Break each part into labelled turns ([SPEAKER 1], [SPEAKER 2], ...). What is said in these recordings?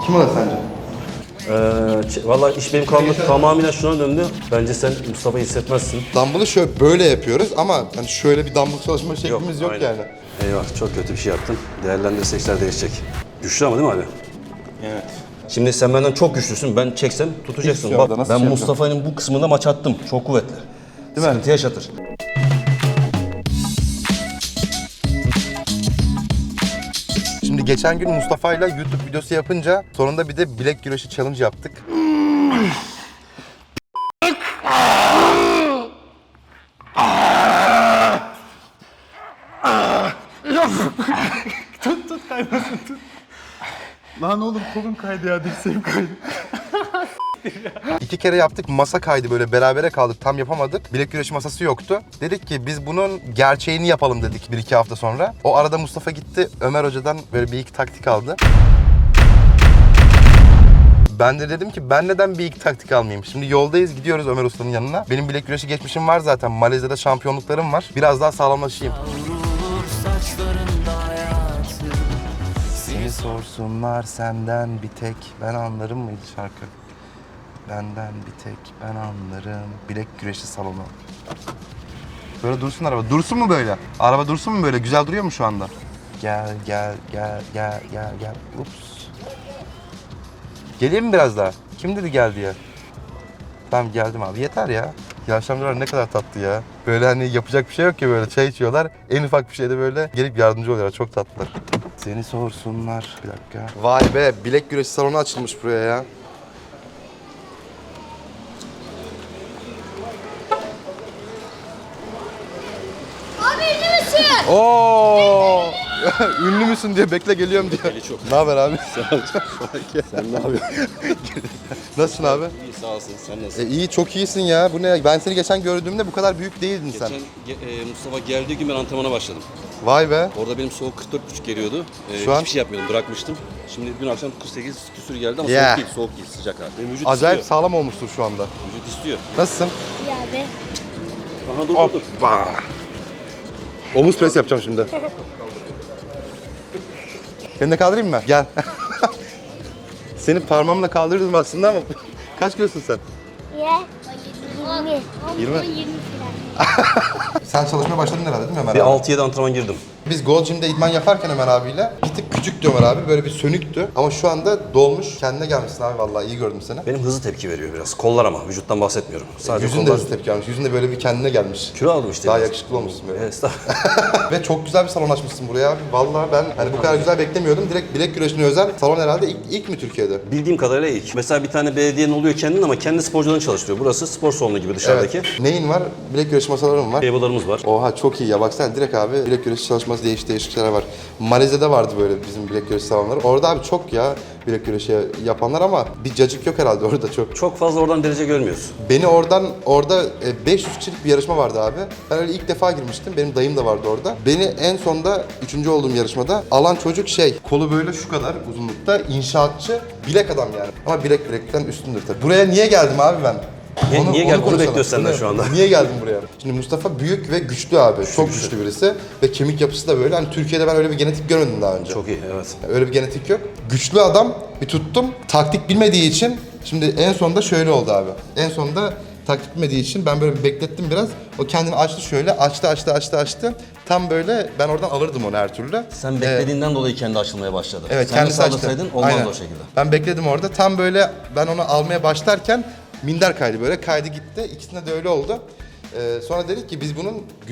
[SPEAKER 1] Kim alır sence?
[SPEAKER 2] Valla iş benim tamamen şuna döndü. Bence sen Mustafa'yı hissetmezsin.
[SPEAKER 1] Dumbbell'ı şöyle böyle yapıyoruz ama hani şöyle bir dumbbell çalışma şeklimiz yok
[SPEAKER 2] aynen.
[SPEAKER 1] yani.
[SPEAKER 2] Eyvah, çok kötü bir şey yaptın. Değerlendirsek işler değişecek. Güçlü ama değil mi abi?
[SPEAKER 1] Evet.
[SPEAKER 2] Şimdi sen benden çok güçlüsün. Ben çeksem tutacaksın.
[SPEAKER 1] Hiç
[SPEAKER 2] Bak
[SPEAKER 1] yok, nasıl
[SPEAKER 2] ben
[SPEAKER 1] şey
[SPEAKER 2] Mustafa'nın bu kısmında maç attım. Çok kuvvetli.
[SPEAKER 1] Değil mi?
[SPEAKER 2] Sıkıntı yaşatır.
[SPEAKER 1] Şimdi geçen gün Mustafa'yla YouTube videosu yapınca sonunda bir de bilek güreşi challenge yaptık.
[SPEAKER 3] Tut kaymasın tut. Lan oğlum kolum kaydı ya, dirseğim kaydı.
[SPEAKER 1] 2 kere yaptık, masa kaydı, böyle berabere kaldık, tam yapamadık. Bilek güreşi masası yoktu. Dedik ki biz bunun gerçeğini yapalım dedik 1-2 hafta sonra. O arada Mustafa gitti, Ömer Hoca'dan böyle bir iki taktik aldı. Ben de dedim ki ben neden bir iki taktik almayayım? Şimdi yoldayız, gidiyoruz Ömer Usta'nın yanına. Benim bilek güreşi geçmişim var zaten. Malezya'da şampiyonluklarım var. Biraz daha sağlamlaşayım. Seni sorsunlar senden bir tek ben anlarım mıydı şarkı? Benden bir tek ben anlarım. Bilek güreşi salonu. Böyle dursun araba. Dursun mu böyle? Araba dursun mu böyle? Güzel duruyor mu şu anda? Gel gel gel gel gel gel. Ups. Geleyim mi biraz daha? Kim dedi gel diye? Tamam geldim abi. Yeter ya. Yaşlı amcalar ne kadar tatlı ya. Böyle hani yapacak bir şey yok ki, böyle çay içiyorlar. En ufak bir şeyde böyle gelip yardımcı oluyorlar. Çok tatlılar. Seni sorsunlar. Bir dakika. Vay be, bilek güreşi salonu açılmış buraya ya.
[SPEAKER 4] Abi ünlü müsün?
[SPEAKER 1] Oo! Ünlü müsün diye bekle geliyorum diyor.
[SPEAKER 2] çok.
[SPEAKER 1] Ne haber abi?
[SPEAKER 2] Sen ne yapıyorsun?
[SPEAKER 1] Nasılsın abi?
[SPEAKER 2] İyi, sağ olasın. Sen nasılsın?
[SPEAKER 1] İyi, çok iyisin ya. Bu ne? Ben seni geçen gördüğümde bu kadar büyük değildin sen.
[SPEAKER 2] Mustafa geldiği gün ben antrenmana başladım.
[SPEAKER 1] Vay be.
[SPEAKER 2] Orada benim soğuk 44,5 geliyordu.
[SPEAKER 1] Şu an-
[SPEAKER 2] Hiçbir şey yapmıyordum, bırakmıştım. Şimdi dün akşam 48 küsür geldi ama
[SPEAKER 1] Yeah.
[SPEAKER 2] soğuk değil, sıcak abi. Benim vücut
[SPEAKER 1] Acayip
[SPEAKER 2] istiyor.
[SPEAKER 1] sağlam olmuştur şu anda.
[SPEAKER 2] Vücut istiyor.
[SPEAKER 1] Nasılsın?
[SPEAKER 4] Ya be.
[SPEAKER 2] Aha dur.
[SPEAKER 1] Hoppa. Omuz pres yapacağım şimdi. Seni de kaldırayım mı? Gel. Seni parmağımla kaldırırdım aslında ama kaç kilosun sen?
[SPEAKER 4] Ya. 20.
[SPEAKER 1] 20.
[SPEAKER 4] 20 falan.
[SPEAKER 1] Sen çalışmaya başladın herhalde değil mi Ömer
[SPEAKER 2] Bir
[SPEAKER 1] abi?
[SPEAKER 2] 6-7 antrenman girdim.
[SPEAKER 1] Biz Gold Gym'de idman yaparken Ömer abiyle bir tık küçüktü Ömer abi, böyle bir sönüktü. Ama şu anda dolmuş, kendine gelmişsin abi, vallahi iyi gördüm seni.
[SPEAKER 2] Benim hızlı tepki veriyor biraz. Kollar ama, vücuttan bahsetmiyorum. Sadece
[SPEAKER 1] Yüzün de
[SPEAKER 2] kollar.
[SPEAKER 1] hızlı tepki almış, yüzünde böyle bir kendine gelmiş.
[SPEAKER 2] Kilo aldım işte.
[SPEAKER 1] Daha
[SPEAKER 2] biraz.
[SPEAKER 1] yakışıklı olmuşsun böyle.
[SPEAKER 2] Estağfurullah.
[SPEAKER 1] Ve çok güzel bir salon açmışsın buraya abi. Vallahi ben hani bu kadar güzel beklemiyordum. Direkt bilek güreşine özel salon herhalde ilk mi Türkiye'de?
[SPEAKER 2] Bildiğim kadarıyla ilk. Mesela bir tane belediyenin oluyor kendin ama kendi sporcularını çalıştırıyor. Burası spor salonu gibi dışarıdaki.
[SPEAKER 1] Evet. Neyin var? Bilek güreşi masalarım var.
[SPEAKER 2] Table'larımız var.
[SPEAKER 1] Oha çok iyi ya, baksana direkt abi bilek güreşi çalışması, değişik şeyler var. Malezya'da vardı böyle bizim bilek güreşi salonları. Orada abi çok ya bilek güreşi yapanlar ama bir cacık yok herhalde orada çok.
[SPEAKER 2] Çok fazla oradan derece görmüyoruz.
[SPEAKER 1] Beni orada 500 kişilik bir yarışma vardı abi. Ben öyle ilk defa girmiştim. Benim dayım da vardı orada. Beni en sonda 3. olduğum yarışmada alan çocuk kolu böyle şu kadar uzunlukta, inşaatçı, bilek adam yani. Ama bilekten üstündür tabii. Buraya niye geldim abi ben?
[SPEAKER 2] Niye geldin? Bunu
[SPEAKER 1] konuşalım.
[SPEAKER 2] bekliyoruz senden şu anda.
[SPEAKER 1] Niye geldim buraya? Şimdi Mustafa büyük ve güçlü abi. Çok güçlü birisi. Ve kemik yapısı da böyle. Hani Türkiye'de ben öyle bir genetik görmedim daha önce.
[SPEAKER 2] Çok iyi, evet.
[SPEAKER 1] Öyle bir genetik yok. Güçlü adam, bir tuttum. Taktik bilmediği için şimdi en sonunda şöyle oldu abi. En sonunda taktik bilmediği için ben böyle bir beklettim biraz. O kendini açtı şöyle. Açtı. Tam böyle ben oradan alırdım onu her türlü.
[SPEAKER 2] Sen beklediğinden dolayı kendi açılmaya başladı.
[SPEAKER 1] Evet,
[SPEAKER 2] Sen
[SPEAKER 1] kendisi
[SPEAKER 2] de
[SPEAKER 1] açtı.
[SPEAKER 2] sağlasaydın olmazdı
[SPEAKER 1] Aynen.
[SPEAKER 2] o şekilde.
[SPEAKER 1] Ben bekledim orada. Tam böyle ben onu almaya başlarken minder kaydı böyle. Kaydı gitti. İkisinde de öyle oldu. Sonra dedik ki biz bunun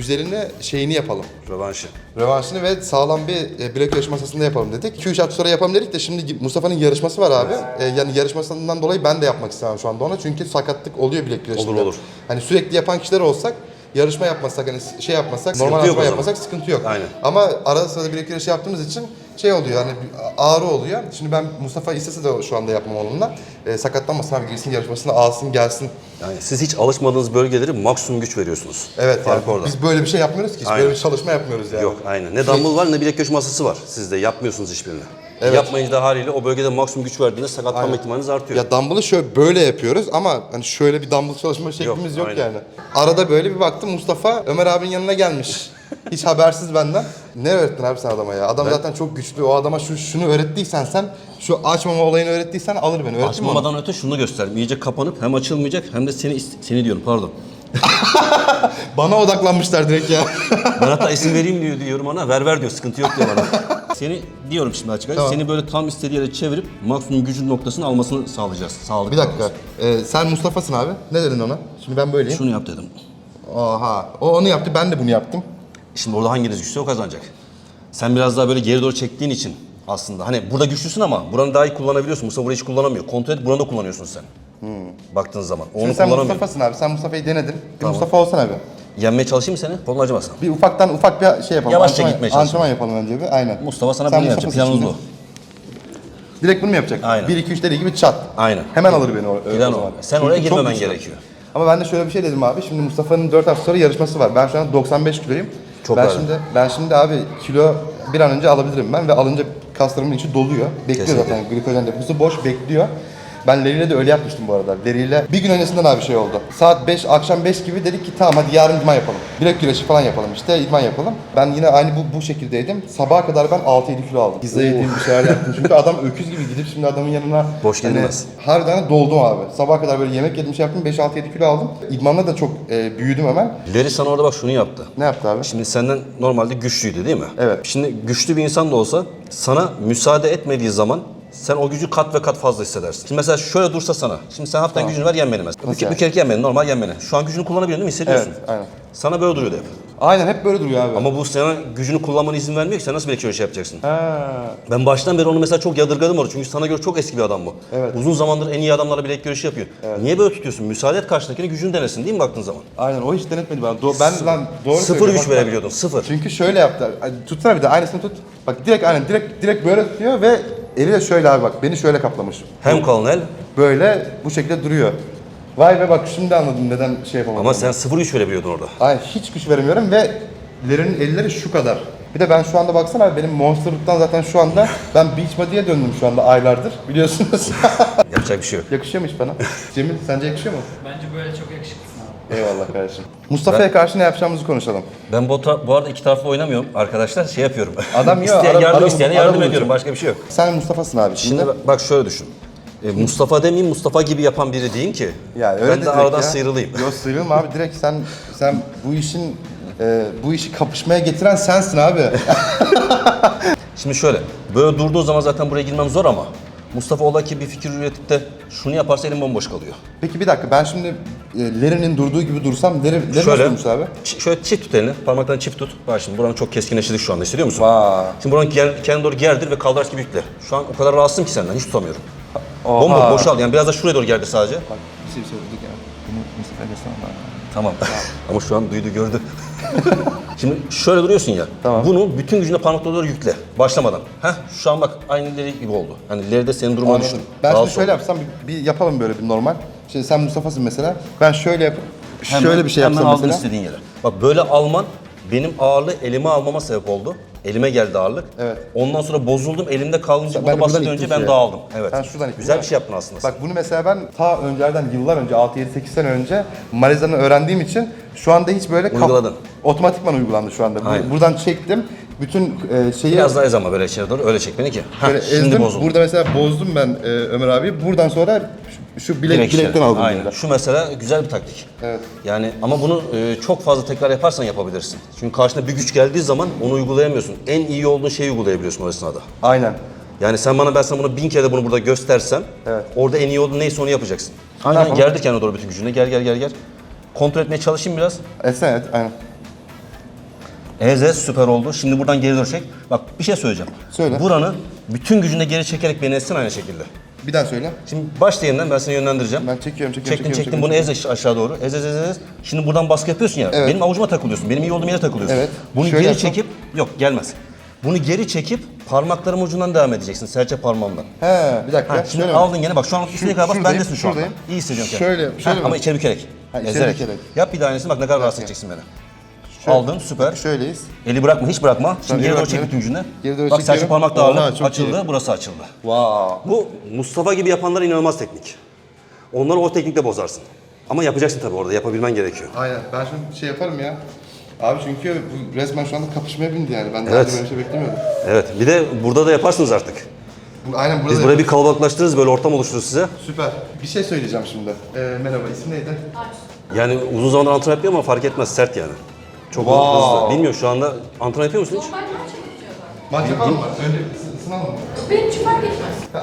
[SPEAKER 1] şeyini yapalım.
[SPEAKER 2] Rövanşı.
[SPEAKER 1] Rövanşını ve sağlam bir bilek güreşi masasında yapalım dedik. 2-3 hafta sonra yapalım dedik de şimdi Mustafa'nın yarışması var abi. Yani yarışmasından dolayı ben de yapmak istemem şu anda ona. Çünkü sakatlık oluyor bilek güreşinde.
[SPEAKER 2] Olur.
[SPEAKER 1] Hani sürekli yapan kişiler olsak, yarışma yapmasak, hani yapmasak, normal
[SPEAKER 2] yok o
[SPEAKER 1] antrenman
[SPEAKER 2] zaman.
[SPEAKER 1] yapmasak sıkıntı yok.
[SPEAKER 2] Aynen.
[SPEAKER 1] Ama arada sırada bilek güreşi yaptığımız için oluyor, hani ağrı oluyor. Şimdi ben Mustafa istese de şu anda yapmam onunla. Sakatlanmasın abi, girsin yarışmasına, alsın gelsin.
[SPEAKER 2] Yani siz hiç alışmadığınız bölgeleri maksimum güç veriyorsunuz.
[SPEAKER 1] Evet,
[SPEAKER 2] Fark
[SPEAKER 1] yani
[SPEAKER 2] orada.
[SPEAKER 1] biz böyle bir şey yapmıyoruz ki. Hiç
[SPEAKER 2] Aynen.
[SPEAKER 1] böyle bir çalışma yapmıyoruz yani.
[SPEAKER 2] Yok, aynen. Ne dumbbell var ne bilek güreş masası var. Siz de yapmıyorsunuz hiçbirini.
[SPEAKER 1] Evet.
[SPEAKER 2] Yapmayınca da haliyle o bölgede maksimum güç verdiğinde sakatlanma
[SPEAKER 1] Aynen.
[SPEAKER 2] ihtimaliniz artıyor.
[SPEAKER 1] Ya dumbbell'ı şöyle böyle yapıyoruz ama hani şöyle bir dumbbell çalışma şeklimiz yok
[SPEAKER 2] aynen.
[SPEAKER 1] yani. Arada böyle bir baktım Mustafa Ömer abinin yanına gelmiş. Hiç habersiz benden. Ne öğrettin abi sen adama ya? Adam zaten çok güçlü. O adama şunu öğrettiysen sen, şu açmama olayını öğrettiysen alır beni. Öğrettin mi onu?
[SPEAKER 2] Açmamadan öte şunu gösterdim. İyice kapanıp hem açılmayacak hem de seni diyorum pardon.
[SPEAKER 1] Bana odaklanmışlar direkt ya.
[SPEAKER 2] Ben hatta isim vereyim diyorum ona. Ver diyor. Sıkıntı yok diyor bana. Seni diyorum şimdi açık açık.
[SPEAKER 1] Tamam.
[SPEAKER 2] Seni böyle tam istediği yere çevirip maksimum gücün noktasını almasını sağlayacağız. Sağlıklı
[SPEAKER 1] Bir dakika.
[SPEAKER 2] olması.
[SPEAKER 1] Sen Mustafa'sın abi. Ne dedin ona? Şimdi ben böyleyim.
[SPEAKER 2] Şunu yap dedim.
[SPEAKER 1] Oha. O onu yaptı, ben de bunu yaptım.
[SPEAKER 2] Şimdi orada hanginiz güçlü o kazanacak. Sen biraz daha böyle geri doğru çektiğin için aslında. Hani burada güçlüsün ama buranı daha iyi kullanabiliyorsun. Mustafa burayı hiç kullanamıyor. Kontrol et buranı da kullanıyorsun sen. Baktığın zaman. Onu
[SPEAKER 1] Şimdi sen
[SPEAKER 2] kullanamıyor.
[SPEAKER 1] Mustafa'sın abi. Sen Mustafa'yı denedin. Bir Mustafa olsan abi.
[SPEAKER 2] Yenmeye çalışayım mı seni? Kolun acımasın.
[SPEAKER 1] Bir ufak bir şey yapalım.
[SPEAKER 2] Yavaşça
[SPEAKER 1] Antrenman-
[SPEAKER 2] gitmeye çalışalım.
[SPEAKER 1] Antrenman yapalım önce bir. Aynen.
[SPEAKER 2] Mustafa sana
[SPEAKER 1] Sen
[SPEAKER 2] bunu yapacak.
[SPEAKER 1] Mustafa'sın
[SPEAKER 2] Planımız
[SPEAKER 1] şimdi.
[SPEAKER 2] bu.
[SPEAKER 1] Direkt bunu mu yapacak?
[SPEAKER 2] Aynen.
[SPEAKER 1] 1 2 3 dediği gibi çat.
[SPEAKER 2] Aynen.
[SPEAKER 1] Hemen alır beni o
[SPEAKER 2] Plan o.
[SPEAKER 1] zaman.
[SPEAKER 2] Sen
[SPEAKER 1] Çünkü
[SPEAKER 2] oraya
[SPEAKER 1] çok
[SPEAKER 2] girmemen
[SPEAKER 1] güçlü.
[SPEAKER 2] gerekiyor.
[SPEAKER 1] Ama ben de şöyle bir şey dedim abi. Şimdi Mustafa'nın 4 hafta sonra yarışması var. Ben şu an 95 kiloyum.
[SPEAKER 2] Çok
[SPEAKER 1] ben
[SPEAKER 2] ağır.
[SPEAKER 1] ben şimdi abi kilo bir an önce alabilirim ben ve alınca kaslarımın içi doluyor. Bekliyor
[SPEAKER 2] Kesinlikle.
[SPEAKER 1] zaten glikojen deposu boş bekliyor. Ben Larry'yle de öyle yapmıştım bu arada. Larry'yle bir gün öncesinden abi şey oldu. Saat 5, akşam 5 gibi dedik ki tamam hadi yarın idman yapalım. Bilek güreşi falan yapalım işte idman yapalım. Ben yine aynı bu şekildeydim. Sabaha kadar ben 6-7 kilo aldım. Pizza yedim bir şeyler yaptım. Çünkü adam öküz gibi gidip şimdi adamın yanına
[SPEAKER 2] Boş gidilmez.
[SPEAKER 1] harbiden doldum abi. Sabaha kadar böyle yemek yedim şey yaptım 5-6-7 kilo aldım. İdmanla da çok büyüdüm hemen.
[SPEAKER 2] Larry sana orada bak şunu yaptı.
[SPEAKER 1] Ne yaptı abi?
[SPEAKER 2] Şimdi senden normalde güçlüydü değil mi?
[SPEAKER 1] Evet.
[SPEAKER 2] Şimdi güçlü bir insan da olsa sana müsaade etmediği zaman sen o gücü kat ve kat fazla hissedersin. Şimdi mesela şöyle dursa sana. Şimdi sen hafiften gücünü ver yen beni mesela.
[SPEAKER 1] Nasıl yani?
[SPEAKER 2] Bir kere yen beni, normal yen beni. Şu an gücünü kullanabiliyorsun değil mi? Hissediyorsun.
[SPEAKER 1] Evet, aynen.
[SPEAKER 2] Sana böyle duruyordu hep.
[SPEAKER 1] Aynen hep böyle duruyor abi.
[SPEAKER 2] Ama bu sana gücünü kullanmana izin vermiyor ki sen nasıl bir şey yapacaksın?
[SPEAKER 1] Ha.
[SPEAKER 2] Ben baştan beri onu mesela çok yadırgadım orada çünkü sana göre çok eski bir adam bu.
[SPEAKER 1] Evet.
[SPEAKER 2] Uzun zamandır en iyi adamlarla bilek güreşi yapıyor. Niye böyle tutuyorsun? Müsaade et karşındakine gücünü denesin değil mi baktığın zaman?
[SPEAKER 1] Aynen o hiç denetmedi bana. Ben lan doğru
[SPEAKER 2] Sıfır
[SPEAKER 1] söylüyor,
[SPEAKER 2] güç
[SPEAKER 1] bak,
[SPEAKER 2] verebiliyordun, sıfır.
[SPEAKER 1] Çünkü şöyle yaptı. Tutsana bir de aynısını tut. Bak direkt aynen direkt böyle tutuyor ve eliyle şöyle abi bak beni şöyle kaplamış.
[SPEAKER 2] Hem kalın el
[SPEAKER 1] Böyle bu şekilde duruyor. Vay be bak şimdi anladım neden şey yapamadım.
[SPEAKER 2] ama sen sıfır güç verebiliyordun orada.
[SPEAKER 1] Aynen hiç güç veremiyorum ve Larry'nin elleri şu kadar. Bir de ben şu anda baksana abi benim monsterlıktan zaten şu anda ben beach body'ye döndüm şu anda aylardır biliyorsunuz.
[SPEAKER 2] Yapacak bir şey yok.
[SPEAKER 1] Yakışıyor mu hiç bana? Cemil sence yakışıyor mu?
[SPEAKER 5] Bence böyle çok yakışıklısın abi.
[SPEAKER 1] Eyvallah kardeşim. Mustafa'ya karşı ne yapacağımızı konuşalım.
[SPEAKER 2] Ben bu arada iki taraflı oynamıyorum arkadaşlar şey yapıyorum.
[SPEAKER 1] Adam yiyor,
[SPEAKER 2] İsteyen yardım
[SPEAKER 1] ara
[SPEAKER 2] isteyene yardım
[SPEAKER 1] bulucu.
[SPEAKER 2] ediyorum başka bir şey yok.
[SPEAKER 1] Sen Mustafa'sın abi şimdi.
[SPEAKER 2] Şimdi bak şöyle düşün. Mustafa demeyeyim Mustafa gibi yapan biri diyeyim ki
[SPEAKER 1] Ya öyle
[SPEAKER 2] ben de
[SPEAKER 1] direkt
[SPEAKER 2] aradan
[SPEAKER 1] ya.
[SPEAKER 2] sıyrılayım.
[SPEAKER 1] Yok sıyrılma abi direkt sen bu işi kapışmaya getiren sensin abi.
[SPEAKER 2] Şimdi şöyle böyle durduğu zaman zaten buraya girmem zor ama Mustafa ola ki bir fikir üretip de şunu yaparsa elim bomboş kalıyor.
[SPEAKER 1] Peki bir dakika ben şimdi Larry'nin durduğu gibi dursam Larry nasıl
[SPEAKER 2] Şöyle,
[SPEAKER 1] durmuş abi?
[SPEAKER 2] şöyle çift tut elini, parmaklarını çift tut. Bak şimdi buranın çok keskinleştirdik şu anda, hissediyor musun?
[SPEAKER 1] Vay.
[SPEAKER 2] Şimdi buranın kendine doğru gerdir ve kaldıraç gibi yükle. Şu an o kadar rahatsızım ki senden, hiç tutamıyorum.
[SPEAKER 1] Oha.
[SPEAKER 2] Bomboş, boşal yani biraz da şuraya doğru gerdir sadece.
[SPEAKER 1] Bak bir şey söyledik ya. Bunu Mustafa'ya desene bana.
[SPEAKER 2] Tamam. Ama şu an duydu, gördü. Şimdi şöyle duruyorsun ya.
[SPEAKER 1] Tamam.
[SPEAKER 2] Bunu bütün gücünle parmaklara doğru yükle. Başlamadan. Şu an bak aynı Larry gibi oldu. Hani Larry'de senin durumunu düşün.
[SPEAKER 1] Ben
[SPEAKER 2] Rahatsız
[SPEAKER 1] şimdi şöyle
[SPEAKER 2] ol.
[SPEAKER 1] yapsam bir yapalım böyle bir normal. Şimdi sen Mustafa'sın mesela. Ben şöyle yapıp şöyle bir şey
[SPEAKER 2] hemen
[SPEAKER 1] yapsam
[SPEAKER 2] aldın
[SPEAKER 1] mesela.
[SPEAKER 2] istediğin yere. Bak böyle alman benim ağırlığı elime almama sebep oldu. Elime geldi ağırlık.
[SPEAKER 1] Evet.
[SPEAKER 2] Ondan sonra bozuldum. Elimde kalınca
[SPEAKER 1] Ben de
[SPEAKER 2] burada
[SPEAKER 1] buradan
[SPEAKER 2] basınca önce
[SPEAKER 1] ittim
[SPEAKER 2] ben
[SPEAKER 1] şeye.
[SPEAKER 2] dağıldım. Evet.
[SPEAKER 1] Ben şuradan ittim,
[SPEAKER 2] Güzel
[SPEAKER 1] değil
[SPEAKER 2] bir
[SPEAKER 1] mi?
[SPEAKER 2] şey yaptın aslında.
[SPEAKER 1] Bak bunu mesela ben ta öncerden yıllar önce 6-7-8 sene önce Mariza'nı öğrendiğim için şu anda hiç böyle
[SPEAKER 2] Uyguladın.
[SPEAKER 1] otomatikman uygulandı şu anda.
[SPEAKER 2] Aynen.
[SPEAKER 1] Buradan çektim. Bütün şeyi
[SPEAKER 2] Biraz daha ez ama böyle içeri doğru öyle çek beni ki.
[SPEAKER 1] böyle
[SPEAKER 2] Şimdi
[SPEAKER 1] ezdim.
[SPEAKER 2] bozuldu.
[SPEAKER 1] Burada mesela bozdum ben Ömer abi. Buradan sonra şu
[SPEAKER 2] Direkt
[SPEAKER 1] bilekten
[SPEAKER 2] içeri.
[SPEAKER 1] aldım.
[SPEAKER 2] Aynen.
[SPEAKER 1] böyle.
[SPEAKER 2] Şu mesela güzel bir taktik.
[SPEAKER 1] Evet.
[SPEAKER 2] Yani ama bunu çok fazla tekrar yaparsan yapabilirsin. Çünkü karşına bir güç geldiği zaman onu uygulayamıyorsun. En iyi olduğun şeyi uygulayabiliyorsun o esnada.
[SPEAKER 1] Aynen.
[SPEAKER 2] Yani ben sana bunu 1000 kere de bunu burada göstersem
[SPEAKER 1] Evet.
[SPEAKER 2] orada en iyi olduğun neyse onu yapacaksın.
[SPEAKER 1] Ne
[SPEAKER 2] Aynen
[SPEAKER 1] yapalım?
[SPEAKER 2] gerdir kendine doğru bütün gücünle. Gel. Kontrol etmeye çalışayım biraz.
[SPEAKER 1] Evet, aynen.
[SPEAKER 2] Ez süper oldu. Şimdi buradan geri dönecek. Bak bir şey söyleyeceğim.
[SPEAKER 1] Söyle.
[SPEAKER 2] Buranı bütün gücünle geri çekerek beni ezsin aynı şekilde.
[SPEAKER 1] Bir daha söyle.
[SPEAKER 2] Şimdi başla yeniden ben seni yönlendireceğim.
[SPEAKER 1] Ben çekiyorum.
[SPEAKER 2] Çektin bunu ez aşağı doğru. Ez. Şimdi buradan baskı yapıyorsun ya.
[SPEAKER 1] Evet.
[SPEAKER 2] Benim avucuma takılıyorsun. Benim iyi olduğum yere takılıyorsun.
[SPEAKER 1] Evet.
[SPEAKER 2] Bunu
[SPEAKER 1] Şöyle
[SPEAKER 2] geri
[SPEAKER 1] yapsam?
[SPEAKER 2] çekip yok gelmez. Bunu geri çekip parmaklarım ucundan devam edeceksin. Serçe parmağımdan.
[SPEAKER 1] He, bir dakika.
[SPEAKER 2] Şimdi
[SPEAKER 1] Şöyle mi?
[SPEAKER 2] aldın gene bak şu an üstüne kadar bas
[SPEAKER 1] şuradayım,
[SPEAKER 2] bendesin şu anda.
[SPEAKER 1] şuradayım.
[SPEAKER 2] İyi hissediyorum kendimi.
[SPEAKER 1] Şöyle mi?
[SPEAKER 2] Ama içeri bükerek.
[SPEAKER 1] Ha, içeri
[SPEAKER 2] Ezerek.
[SPEAKER 1] bükerek.
[SPEAKER 2] Yap bir daha aynısını bak ne kadar rahatsız edeceksin beni. Aldın süper.
[SPEAKER 1] Şöyleyiz.
[SPEAKER 2] Eli bırakma hiç bırakma. Şimdi geri doğru çek
[SPEAKER 1] bırakmıyorum.
[SPEAKER 2] bütün gücünle.
[SPEAKER 1] Geri doğru
[SPEAKER 2] Bak serçe
[SPEAKER 1] çekiyorum.
[SPEAKER 2] parmak da
[SPEAKER 1] Oha,
[SPEAKER 2] ağırlık
[SPEAKER 1] çok
[SPEAKER 2] açıldı
[SPEAKER 1] iyi.
[SPEAKER 2] burası açıldı.
[SPEAKER 1] Wow.
[SPEAKER 2] Bu Mustafa gibi yapanlar inanılmaz teknik. Onları o teknikle bozarsın. Ama yapacaksın tabii orada yapabilmen gerekiyor.
[SPEAKER 1] Aynen. Ben şimdi şey yaparım ya. Abi çünkü bu resmen şu anda kapışmaya bindi yani. Ben daha
[SPEAKER 2] Evet.
[SPEAKER 1] önce böyle bir şey beklemiyordum.
[SPEAKER 2] Evet. Bir de burada da yaparsınız artık.
[SPEAKER 1] Aynen burada
[SPEAKER 2] Biz
[SPEAKER 1] da
[SPEAKER 2] burayı bir kalabalıklaştırırız, böyle ortam oluştururuz size.
[SPEAKER 1] Süper. Bir şey söyleyeceğim şimdi. Merhaba, isim neydi?
[SPEAKER 2] Yani uzun zamandır antrenman yapıyor ama fark etmez, sert yani. Çok
[SPEAKER 1] Wow.
[SPEAKER 2] hızlı. Bilmiyorum şu anda antrenman yapıyor musun hiç?
[SPEAKER 1] Maç yapalım mı? Önce ısınalım mı?
[SPEAKER 6] Benim için fark etmez.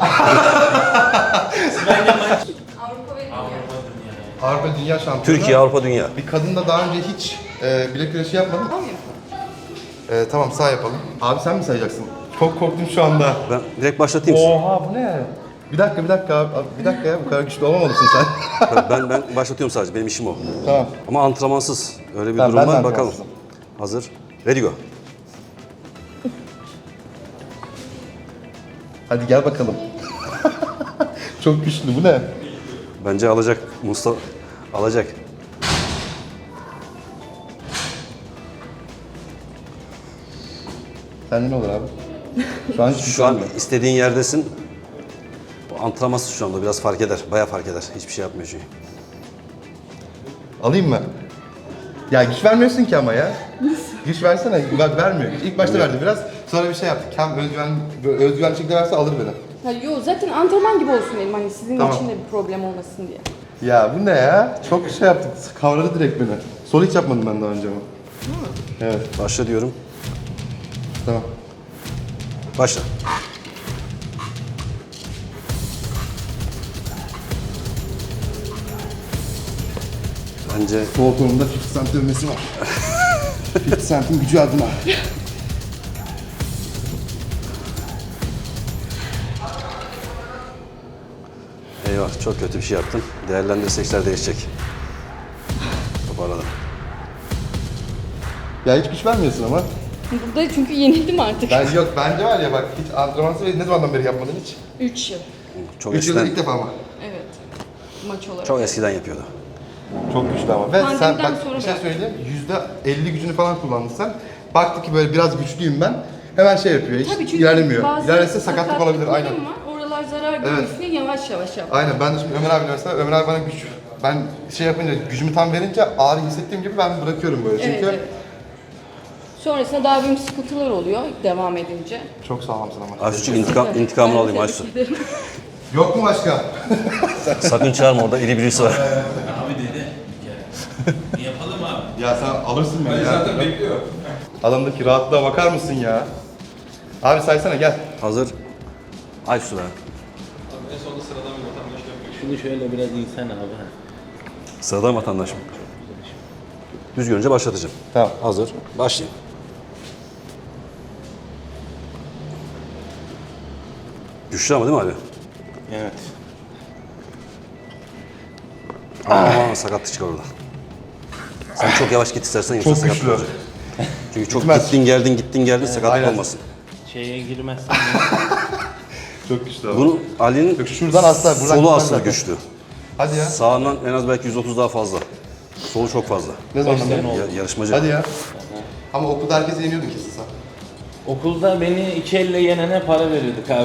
[SPEAKER 6] Avrupa ve Dünya.
[SPEAKER 1] Avrupa Dünya Şampiyonu.
[SPEAKER 2] Türkiye, Avrupa, Dünya.
[SPEAKER 1] Bir kadınla daha önce hiç bilek güreşi yapmadın. Tamam sağ yapalım. Abi sen mi sayacaksın? Çok korktum şu anda.
[SPEAKER 2] Ben direkt başlatayım sizi.
[SPEAKER 1] Oha bu ne? Bir dakika abi. Bir dakika ya bu kadar güçlü olmamalısın sen.
[SPEAKER 2] Ben başlatıyorum sadece, benim işim o.
[SPEAKER 1] Tamam.
[SPEAKER 2] Ama antrenmansız. Öyle bir
[SPEAKER 1] Tamam,
[SPEAKER 2] durum
[SPEAKER 1] ben de
[SPEAKER 2] var, bakalım.
[SPEAKER 1] antrenmansızım.
[SPEAKER 2] Hazır. Ready go.
[SPEAKER 1] Hadi gel bakalım. Çok güçlü bu ne?
[SPEAKER 2] Bence alacak Mustafa. Alacak.
[SPEAKER 1] Sende ne olur abi? Şu an hiç
[SPEAKER 2] Şu an
[SPEAKER 1] güçlenme.
[SPEAKER 2] istediğin yerdesin. Bu antrenmansız şu anda biraz fark eder. Bayağı fark eder. Hiçbir şey yapmıyor çünkü.
[SPEAKER 1] Alayım mı? Ya güç vermiyorsun ki ama ya. Güç versene. Bak vermiyor. İlk başta verdi biraz. Sonra bir şey yaptık. Hem özgüven şekilde verse alır beni.
[SPEAKER 6] Ha, yo zaten antrenman gibi olsun dedim hani sizin
[SPEAKER 1] Tamam.
[SPEAKER 6] için de bir problem olmasın diye.
[SPEAKER 1] Ya bu ne ya? Çok şey yaptık. Kavradı direkt beni. Sol hiç yapmadım ben daha önce ama. Evet.
[SPEAKER 2] Başla diyorum.
[SPEAKER 1] Tamam.
[SPEAKER 2] Başla. Bence
[SPEAKER 1] Sol kolumda 50 cent dövmesi var. 50 cent'in gücü adına.
[SPEAKER 2] eyvah, çok kötü bir şey yaptım. Değerlendirsek işler değişecek. Toparladım.
[SPEAKER 1] Ya hiç güç vermiyorsun ama.
[SPEAKER 6] Burada çünkü yenildim artık.
[SPEAKER 1] Yok bence var ya bak hiç antrenmansız ne zamandan beri yapmadın hiç?
[SPEAKER 6] 3 yıl.
[SPEAKER 2] Çok
[SPEAKER 1] 3 yılda
[SPEAKER 2] eskiden,
[SPEAKER 1] ilk defa ama.
[SPEAKER 6] Evet. Maç olarak.
[SPEAKER 2] çok eskiden yapıyordu.
[SPEAKER 1] Çok güçlü ama. Ve sen
[SPEAKER 6] Pandemiden
[SPEAKER 1] bak
[SPEAKER 6] sonra
[SPEAKER 1] bir şey
[SPEAKER 6] bıraktım.
[SPEAKER 1] söyleyeyim. %50 gücünü falan kullandın sen. Baktı ki böyle biraz güçlüyüm ben. Hemen şey yapıyor. Hiç
[SPEAKER 6] Tabii çünkü
[SPEAKER 1] ilerlemiyor.
[SPEAKER 6] bazı
[SPEAKER 1] İlerlese sakatlık olabilir. Aynen.
[SPEAKER 6] var. Oralar zarar görmesin diye yavaş yavaş yap.
[SPEAKER 1] Aynen. Ben de şimdi Ömer abiyle mesela Ömer abi bana güç ben şey yapınca gücümü tam verince ağrı hissettiğim gibi ben bırakıyorum böyle. Çünkü
[SPEAKER 6] Evet. Sonrasında daha büyük sıkıntılar oluyor devam edince.
[SPEAKER 1] çok sağlamsın ama.
[SPEAKER 2] Aysu'cuk intikamını alayım
[SPEAKER 6] Ben
[SPEAKER 2] Aysu.
[SPEAKER 6] tebrik ederim.
[SPEAKER 1] Yok mu başka?
[SPEAKER 2] Sakın çağırma, orada iri birisi var.
[SPEAKER 5] Abi dedi. Yapalım abi.
[SPEAKER 1] Ya sen alırsın beni ya. Zaten bekliyor. Adamdaki rahatlığa bakar mısın ya? Abi saysana gel.
[SPEAKER 2] Hazır. Aysu be.
[SPEAKER 7] Şunu şöyle biraz insan abi.
[SPEAKER 2] Sıradan vatandaşım. Düz görünce başlatacağım.
[SPEAKER 1] Tamam.
[SPEAKER 2] Hazır. Başlayayım. Güçlü ama değil mi abi?
[SPEAKER 7] Evet.
[SPEAKER 2] Aman sakatlık çıkar orada. Sen çok yavaş git istersen yoksa
[SPEAKER 1] Çok
[SPEAKER 2] sakatlık
[SPEAKER 1] güçlü.
[SPEAKER 2] olacak. Çünkü çok
[SPEAKER 1] Gitmez.
[SPEAKER 2] gittin geldin sakatlık
[SPEAKER 1] aynen.
[SPEAKER 2] olmasın.
[SPEAKER 7] Şeye girmezsen
[SPEAKER 1] Çok güçlü abi.
[SPEAKER 2] Bunu Ali'nin
[SPEAKER 1] Yok, şuradan asla, buradan
[SPEAKER 2] solu
[SPEAKER 1] gitmez
[SPEAKER 2] aslında
[SPEAKER 1] zaten.
[SPEAKER 2] güçlü.
[SPEAKER 1] Hadi ya.
[SPEAKER 2] Sağından en az belki 130 daha fazla. Solu çok fazla.
[SPEAKER 1] Ne zaman beri?
[SPEAKER 2] Yarışmacı.
[SPEAKER 1] Hadi ya. Ama okulda herkesi yeniyordun kesin sen.
[SPEAKER 7] okulda beni iki elle yenene para veriyorduk abi.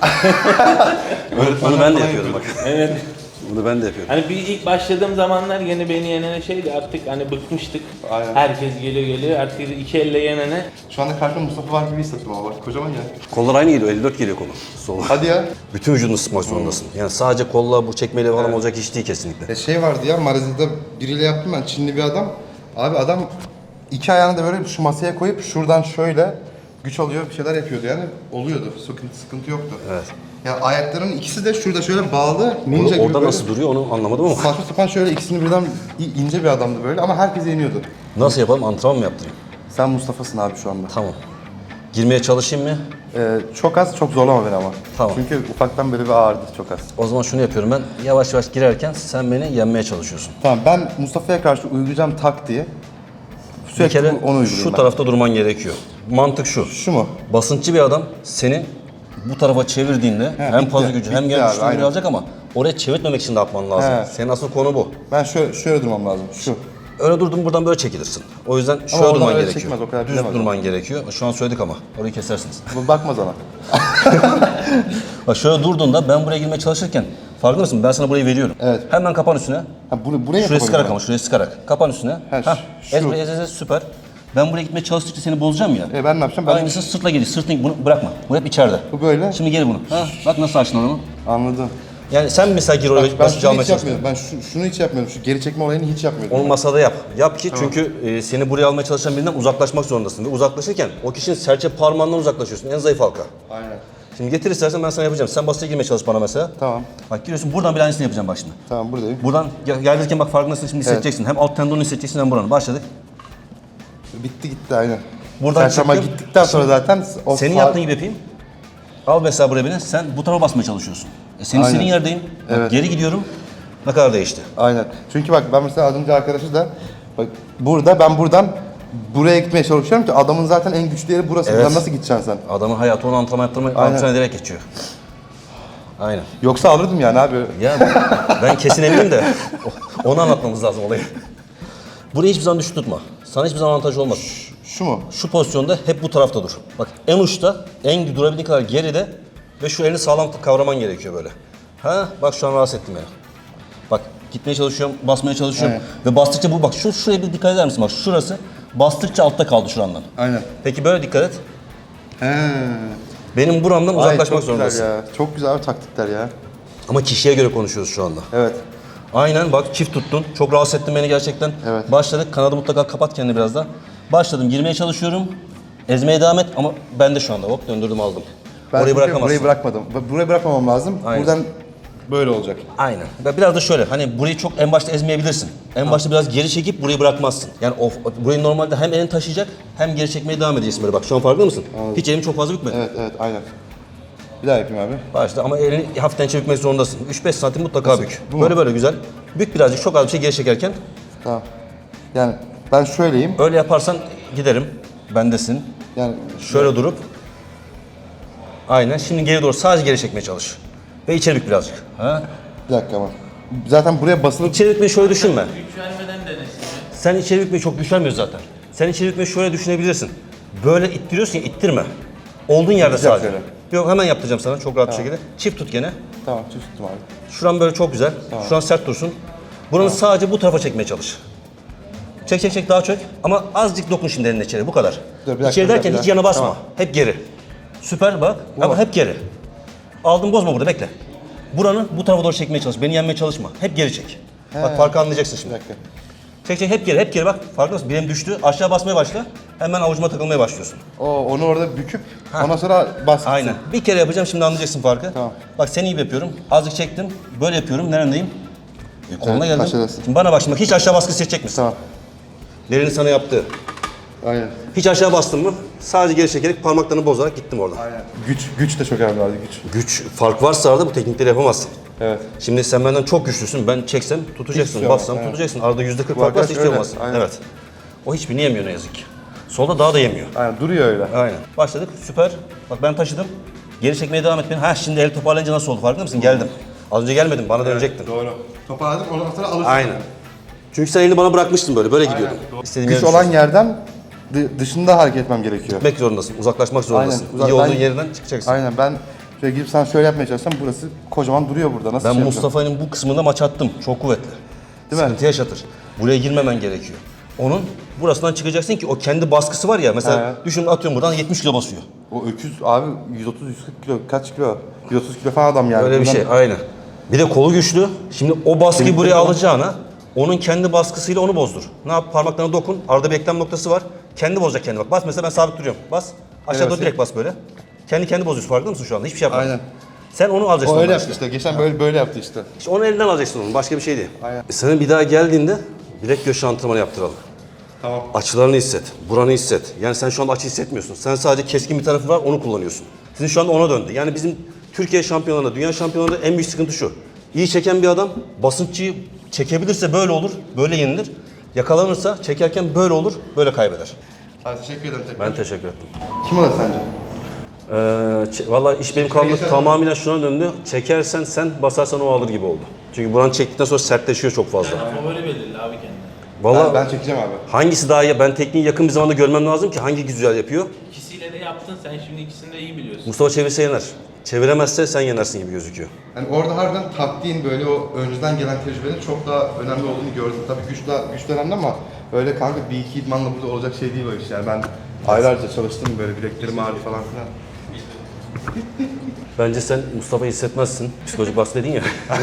[SPEAKER 2] Onu ben de yapıyordum bak.
[SPEAKER 7] Evet.
[SPEAKER 2] Bunu ben de yapıyordum.
[SPEAKER 7] Hani bir ilk başladığım zamanlar yine beni yenene şeydi artık hani bıkmıştık.
[SPEAKER 1] Aynen.
[SPEAKER 7] Herkes geliyor artık iki elle yenene.
[SPEAKER 1] Şu anda karşımda Mustafa var gibi hissettim ama bak kocaman ya.
[SPEAKER 2] Kollar aynı geliyor, 54 geliyor kolu. Sol.
[SPEAKER 1] Hadi ya.
[SPEAKER 2] Bütün vücudunu sıkmak zorundasın. Yani sadece kolla bu çekmeyle falan olacak iş değil kesinlikle.
[SPEAKER 1] Şey vardı ya Marazi'de biriyle yaptım ben Çinli bir adam. Abi adam iki ayağını da böyle şu masaya koyup şuradan şöyle güç alıyor bir şeyler yapıyordu yani oluyordu. Sıkıntı yoktu.
[SPEAKER 2] Evet.
[SPEAKER 1] Ya ayaklarının ikisi de şurada şöyle bağlı ninja gibi
[SPEAKER 2] Orada
[SPEAKER 1] böyle.
[SPEAKER 2] nasıl duruyor onu anlamadım ama.
[SPEAKER 1] Saçma sapan şöyle ikisini birden ince bir adamdı böyle ama herkes yeniyordu.
[SPEAKER 2] Nasıl yapalım? Antrenman mı yaptırayım?
[SPEAKER 1] Sen Mustafa'sın abi şu anda.
[SPEAKER 2] Tamam. Girmeye çalışayım mı?
[SPEAKER 1] Çok az, çok zorlama beni ama.
[SPEAKER 2] Tamam.
[SPEAKER 1] Çünkü ufaktan beri bir ağrıdı çok az.
[SPEAKER 2] O zaman şunu yapıyorum ben. Yavaş yavaş girerken sen beni yenmeye çalışıyorsun.
[SPEAKER 1] Tamam ben Mustafa'ya karşı uygulayacağım taktiği.
[SPEAKER 2] Bir
[SPEAKER 1] Sürekli
[SPEAKER 2] kere
[SPEAKER 1] onu uygulayayım
[SPEAKER 2] şu
[SPEAKER 1] ben.
[SPEAKER 2] tarafta durman gerekiyor. Mantık şu.
[SPEAKER 1] Şu mu?
[SPEAKER 2] Basınççı bir adam seni bu tarafa çevirdiğinde hem
[SPEAKER 1] bitti,
[SPEAKER 2] fazla gücü hem
[SPEAKER 1] bitti
[SPEAKER 2] gel
[SPEAKER 1] abi,
[SPEAKER 2] güçlü
[SPEAKER 1] aynen.
[SPEAKER 2] alacak ama oraya çevirtmemek için de atman lazım.
[SPEAKER 1] He.
[SPEAKER 2] Senin asıl konu bu.
[SPEAKER 1] Ben şöyle durmam lazım. Şu.
[SPEAKER 2] Öyle durdun buradan böyle çekilirsin. O yüzden şöyle
[SPEAKER 1] oradan
[SPEAKER 2] durman
[SPEAKER 1] öyle
[SPEAKER 2] gerekiyor.
[SPEAKER 1] çekmez, o kadar
[SPEAKER 2] Düz
[SPEAKER 1] bilemez
[SPEAKER 2] durman gerekiyor. Şu an söyledik ama orayı kesersiniz.
[SPEAKER 1] Bu bakmaz ona.
[SPEAKER 2] Bak şöyle durduğunda ben buraya girmeye çalışırken farkında mısın? Ben sana burayı veriyorum.
[SPEAKER 1] Evet.
[SPEAKER 2] Hemen kapan üstüne.
[SPEAKER 1] Ha, buraya
[SPEAKER 2] Şuraya sıkarak
[SPEAKER 1] ben.
[SPEAKER 2] ama şuraya sıkarak. Kapan üstüne.
[SPEAKER 1] Ha,
[SPEAKER 2] Hah.
[SPEAKER 1] şu.
[SPEAKER 2] Ez, süper. Ben buraya gitmeye çalıştıkça seni bozacağım ya.
[SPEAKER 1] Ben ne yapacağım? Ben
[SPEAKER 2] Aynısı sırtla geliyor. Sırtını bunu bırakma. Bu hep içeride.
[SPEAKER 1] Bu böyle.
[SPEAKER 2] Şimdi geri bunu. Ha, bak nasıl açtın onu.
[SPEAKER 1] Anladım.
[SPEAKER 2] Yani sen mesela geri
[SPEAKER 1] Bak,
[SPEAKER 2] oraya
[SPEAKER 1] ben
[SPEAKER 2] basınca
[SPEAKER 1] şunu
[SPEAKER 2] almaya
[SPEAKER 1] hiç
[SPEAKER 2] çalışıyorsun.
[SPEAKER 1] yapmıyorum. Ben şunu hiç yapmıyorum. Şu geri çekme olayını hiç yapmıyorum.
[SPEAKER 2] Onu masada yap. Yap ki çünkü seni buraya almaya çalışan birinden uzaklaşmak zorundasın. Ve uzaklaşırken o kişinin serçe parmağından uzaklaşıyorsun. En zayıf halka.
[SPEAKER 1] Aynen.
[SPEAKER 2] Şimdi getir istersen ben sana yapacağım. Sen basite girmeye çalış bana mesela.
[SPEAKER 1] Tamam.
[SPEAKER 2] Bak giriyorsun buradan bir aynısını yapacağım bak şimdi.
[SPEAKER 1] Tamam buradayım.
[SPEAKER 2] Buradan gelirken bak farkındasın şimdi hissedeceksin. Hem alt tendonu hissedeceksin hem buranı. Başladık.
[SPEAKER 1] Bitti gitti aynen.
[SPEAKER 2] Buradan
[SPEAKER 1] Çarşamba
[SPEAKER 2] çıktım.
[SPEAKER 1] gittikten sonra zaten o
[SPEAKER 2] Senin yaptığın gibi yapayım. Al mesela buraya beni. Sen bu tarafa basmaya çalışıyorsun. Senin
[SPEAKER 1] Aynen.
[SPEAKER 2] istediğin yerdeyim. Bak,
[SPEAKER 1] Evet.
[SPEAKER 2] geri gidiyorum. Ne kadar değişti.
[SPEAKER 1] Aynen. Çünkü bak ben mesela az önce arkadaşı da bak burada ben buradan buraya gitmeye çalışıyorum ki adamın zaten en güçlü yeri burası.
[SPEAKER 2] Evet.
[SPEAKER 1] Buradan nasıl gideceksin sen?
[SPEAKER 2] Adamın hayatı onu antrenman yaptırmak,
[SPEAKER 1] Aynen.
[SPEAKER 2] antrenman ederek geçiyor. Aynen.
[SPEAKER 1] Yoksa alırdım yani abi.
[SPEAKER 2] Ya ben kesin eminim de onu anlatmamız lazım olayı. Burayı hiçbir zaman düşük tutma. Sana hiçbir zaman avantaj olmaz.
[SPEAKER 1] Şu mu?
[SPEAKER 2] Şu pozisyonda hep bu tarafta dur. Bak en uçta, en durabildiğin kadar geride ve şu elini sağlam kavraman gerekiyor böyle. Ha bak şu an rahatsız ettim beni. Bak gitmeye çalışıyorum, basmaya çalışıyorum ve bastıkça bu bak şuraya bir dikkat eder misin? Bak şurası bastıkça altta kaldı şurandan.
[SPEAKER 1] Aynen.
[SPEAKER 2] Peki böyle dikkat et.
[SPEAKER 1] He.
[SPEAKER 2] Benim buramdan
[SPEAKER 1] Ay,
[SPEAKER 2] uzaklaşmak
[SPEAKER 1] çok
[SPEAKER 2] zorundasın.
[SPEAKER 1] güzel ya. Çok güzel abi taktikler ya.
[SPEAKER 2] Ama kişiye göre konuşuyoruz şu anda.
[SPEAKER 1] Evet.
[SPEAKER 2] Aynen bak çift tuttun. Çok rahatsız ettin beni gerçekten.
[SPEAKER 1] Evet.
[SPEAKER 2] Başladık. Kanadı mutlaka kapat kendini biraz daha. Başladım. Girmeye çalışıyorum. Ezmeye devam et ama ben de şu anda hop döndürdüm aldım.
[SPEAKER 1] Ben
[SPEAKER 2] Orayı
[SPEAKER 1] çünkü
[SPEAKER 2] bırakamazsın.
[SPEAKER 1] burayı bırakmadım. Burayı bırakmamam lazım.
[SPEAKER 2] Aynen.
[SPEAKER 1] Buradan böyle olacak.
[SPEAKER 2] Aynen. Ve biraz da şöyle hani burayı çok en başta ezmeyebilirsin. En başta biraz geri çekip burayı bırakmazsın. Yani burayı normalde hem elini taşıyacak hem geri çekmeye devam edeceksin böyle bak. Şu an farkında mısın? Hiç elimi çok fazla bükmedi.
[SPEAKER 1] Evet evet aynen. Bir daha yapayım abi.
[SPEAKER 2] Başta ama elini hafiften çevirmek zorundasın. 3-5 santim mutlaka bük.
[SPEAKER 1] Bu mu?
[SPEAKER 2] Böyle böyle güzel. Bük birazcık çok az bir şey geri çekerken.
[SPEAKER 1] Tamam. Yani ben şöyleyim.
[SPEAKER 2] Öyle yaparsan giderim. Bendesin.
[SPEAKER 1] Yani
[SPEAKER 2] Şöyle durup. Aynen. Şimdi geri doğru sadece geri çekmeye çalış. Ve içeri bük birazcık. Ha?
[SPEAKER 1] bir dakika ama. Zaten buraya basılıp
[SPEAKER 2] İçeri bükmeyi şöyle düşünme.
[SPEAKER 5] Güç vermeden denesin.
[SPEAKER 2] Sen içeri bükmeyi çok güç vermiyorsun zaten. Sen içeri bükmeyi şöyle düşünebilirsin. Böyle ittiriyorsun ya ittirme. Olduğun yerde
[SPEAKER 1] Yapacağım
[SPEAKER 2] sadece.
[SPEAKER 1] şöyle.
[SPEAKER 2] Yok hemen yaptıracağım sana çok rahat bir şekilde. Çift tut gene.
[SPEAKER 1] tamam çift tuttum abi.
[SPEAKER 2] Şuran böyle çok güzel. Şuran sert dursun. Buranı sadece bu tarafa çekmeye çalış. Çek çek çek daha çök. Ama azıcık dokun şimdi elinle içeri bu kadar.
[SPEAKER 1] Dur, bir dakika,
[SPEAKER 2] İçeri
[SPEAKER 1] bir dakika,
[SPEAKER 2] derken
[SPEAKER 1] bir
[SPEAKER 2] hiç
[SPEAKER 1] dakika.
[SPEAKER 2] yana basma.
[SPEAKER 1] Tamam.
[SPEAKER 2] Hep geri. Süper bak ama hep geri. Aldın bozma burada bekle. Buranı bu tarafa doğru çekmeye çalış. Beni yenmeye çalışma. Hep geri çek. Bak farkı anlayacaksın
[SPEAKER 1] Bir
[SPEAKER 2] şimdi.
[SPEAKER 1] dakika.
[SPEAKER 2] Çek çek hep geri bak. Farkında mısın? Bileğim düştü. Aşağı basmaya başla. Hemen avucuma takılmaya başlıyorsun.
[SPEAKER 1] Onu orada büküp ondan sonra bas.
[SPEAKER 2] Aynen. Bir kere yapacağım şimdi anlayacaksın farkı.
[SPEAKER 1] Tamam.
[SPEAKER 2] Bak seni iyi yapıyorum. Azıcık çektim. Böyle yapıyorum. Nerendeyim? Koluna geldim.
[SPEAKER 1] aşağıdasın.
[SPEAKER 2] Şimdi bana bak şimdi hiç aşağı baskı hissedecek misin?
[SPEAKER 1] Tamam.
[SPEAKER 2] Derini sana yaptı.
[SPEAKER 1] Aynen.
[SPEAKER 2] Hiç aşağı bastın mı? Sadece geri çekerek parmaklarını bozarak gittim oradan.
[SPEAKER 1] Aynen. Güç de çok önemli abi güç.
[SPEAKER 2] Güç fark varsa arada bu teknikleri yapamazsın.
[SPEAKER 1] Evet.
[SPEAKER 2] Şimdi sen benden çok güçlüsün. Ben çeksem tutacaksın.
[SPEAKER 1] Hiç
[SPEAKER 2] Bassam
[SPEAKER 1] evet.
[SPEAKER 2] tutacaksın. Arada %40 fark
[SPEAKER 1] arkadaş
[SPEAKER 2] varsa hiç
[SPEAKER 1] öyle,
[SPEAKER 2] yapamazsın.
[SPEAKER 1] aynen.
[SPEAKER 2] Evet. O hiçbirini yemiyor ne yazık ki. Solda daha da yemiyor.
[SPEAKER 1] Aynen duruyor öyle.
[SPEAKER 2] Aynen. Başladık. Süper. Bak ben taşıdım. Geri çekmeye devam et beni. Ha şimdi el toparlayınca nasıl oldu farkında mısın? Geldim. Az önce gelmedin. Bana dönecektin.
[SPEAKER 1] Doğru. Toparladım ondan sonra alırsın.
[SPEAKER 2] Aynen. Çünkü sen elini bana bırakmıştın böyle. Böyle gidiyordun. İstediğin
[SPEAKER 1] Güç
[SPEAKER 2] yere
[SPEAKER 1] olan
[SPEAKER 2] düşüyorsun.
[SPEAKER 1] yerden dışında hareket etmem gerekiyor.
[SPEAKER 2] Gitmek zorundasın. Uzaklaşmak zorundasın.
[SPEAKER 1] Aynen.
[SPEAKER 2] İyi olduğun
[SPEAKER 1] Ben-
[SPEAKER 2] yerinden çıkacaksın.
[SPEAKER 1] Aynen ben şöyle girip sana şöyle yapmaya çalışsam burası kocaman duruyor burada. Nasıl
[SPEAKER 2] Ben
[SPEAKER 1] şey yapacağım?
[SPEAKER 2] Mustafa'nın bu kısmında maç attım. Çok kuvvetli.
[SPEAKER 1] Değil mi?
[SPEAKER 2] Sıkıntı yaşatır. Buraya girmemen gerekiyor. Onun burasından çıkacaksın ki o kendi baskısı var ya. Mesela
[SPEAKER 1] He.
[SPEAKER 2] düşün atıyorum buradan 70 kilo basıyor.
[SPEAKER 1] O öküz abi 130-140 kilo kaç kilo? 130 kilo falan adam yani.
[SPEAKER 2] Öyle bir
[SPEAKER 1] Buradan-
[SPEAKER 2] şey aynen. Bir de kolu güçlü. Şimdi o baskıyı buraya alacağına onun kendi baskısıyla onu bozdur. Ne yap? Parmaklarına dokun. Arada bir eklem noktası var. Kendi bozacak kendini bak. Bas mesela ben sabit duruyorum. Bas. Aşağı doğru direkt bas böyle. Kendi bozuyorsun farkında mısın şu anda? Hiçbir şey yapma.
[SPEAKER 1] Aynen.
[SPEAKER 2] Sen onu alacaksın.
[SPEAKER 1] O öyle
[SPEAKER 2] ondan
[SPEAKER 1] yaptı işte. Geçen böyle yaptı işte.
[SPEAKER 2] İşte onu elinden alacaksın onu. Başka bir şey değil.
[SPEAKER 1] Aynen.
[SPEAKER 2] Senin bir daha geldiğinde bilek göğüs antrenmanı yaptıralım.
[SPEAKER 1] Tamam.
[SPEAKER 2] Açılarını hisset, buranı hisset. Yani sen şu anda açı hissetmiyorsun. Sen sadece keskin bir tarafı var, onu kullanıyorsun. Sizin şu anda ona döndü. Yani bizim Türkiye şampiyonlarında, dünya şampiyonlarında en büyük sıkıntı şu. İyi çeken bir adam basınççıyı çekebilirse böyle olur, böyle yenilir. Yakalanırsa çekerken böyle olur, böyle kaybeder.
[SPEAKER 1] Hadi teşekkür ederim tekrar.
[SPEAKER 2] Ben teşekkür ettim.
[SPEAKER 1] Kim alır sence?
[SPEAKER 2] Vallahi iş benim kaldı tamamen şuna döndü. Çekersen sen, basarsan o alır gibi oldu. Çünkü buranı çektikten sonra sertleşiyor çok fazla.
[SPEAKER 5] Favori belirli abi kendine.
[SPEAKER 2] Vallahi
[SPEAKER 1] Ben çekeceğim abi.
[SPEAKER 2] hangisi daha iyi? Ben tekniği yakın bir zamanda görmem lazım ki hangi güzel yapıyor.
[SPEAKER 5] İkisiyle de yaptın sen şimdi ikisini de iyi biliyorsun.
[SPEAKER 2] Mustafa çevirse yener. Çeviremezse sen yenersin gibi gözüküyor.
[SPEAKER 1] Yani orada harbiden taktiğin böyle o önceden gelen tecrübenin çok daha önemli olduğunu gördüm. Tabii güç önemli ama öyle kanka bir iki idmanla burada olacak şey değil o iş. Yani ben aylarca çalıştım böyle bileklerim ağrı falan filan.
[SPEAKER 2] Bence sen Mustafa'yı hissetmezsin. Psikolojik baskı dedin ya.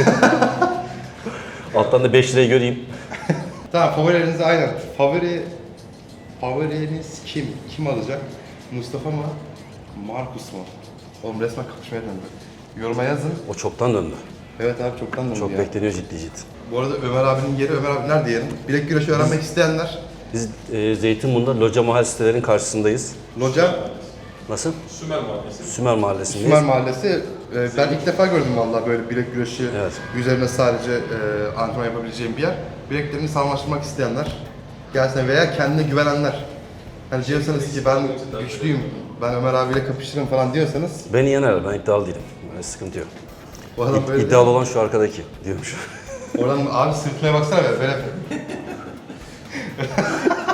[SPEAKER 2] Alttan da 5 lirayı göreyim.
[SPEAKER 1] Tamam favorileriniz aynen. Favoriniz kim? Kim alacak? Mustafa mı? Markus mu? Oğlum resmen kapışmaya döndü. Yoruma yazın.
[SPEAKER 2] O çoktan döndü.
[SPEAKER 1] Evet abi çoktan döndü
[SPEAKER 2] Çok
[SPEAKER 1] ya.
[SPEAKER 2] bekleniyor ciddi.
[SPEAKER 1] Bu arada Ömer abinin yeri, Ömer abi nerede yerin? Bilek güreşi öğrenmek isteyenler.
[SPEAKER 2] Biz Zeytinburnu'nda Loca Mahal sitelerinin karşısındayız.
[SPEAKER 1] Loca,
[SPEAKER 2] Nasıl? Sümer Mahallesi'ndeyiz.
[SPEAKER 1] Sümer Mahallesi. Ben ilk defa gördüm vallahi böyle bilek güreşi
[SPEAKER 2] Evet.
[SPEAKER 1] üzerine sadece antrenman yapabileceğim bir yer. Bileklerini sağlamlaştırmak isteyenler gelsin veya kendine güvenenler. Hani diyorsanız ki ben güçlüyüm, ben Ömer abiyle kapışırım falan diyorsanız
[SPEAKER 2] Beni yener, ben iddialı değilim. Yani sıkıntı yok.
[SPEAKER 1] bu adam böyle
[SPEAKER 2] İddialı olan şu arkadaki diyormuş.
[SPEAKER 1] oradan abi sırtına baksana be, böyle.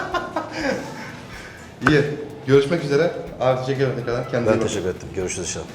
[SPEAKER 1] İyi. Görüşmek üzere. Abi teşekkür ederim tekrardan. Kendinize iyi
[SPEAKER 2] Ben
[SPEAKER 1] bakın.
[SPEAKER 2] teşekkür ettim. Görüşürüz inşallah.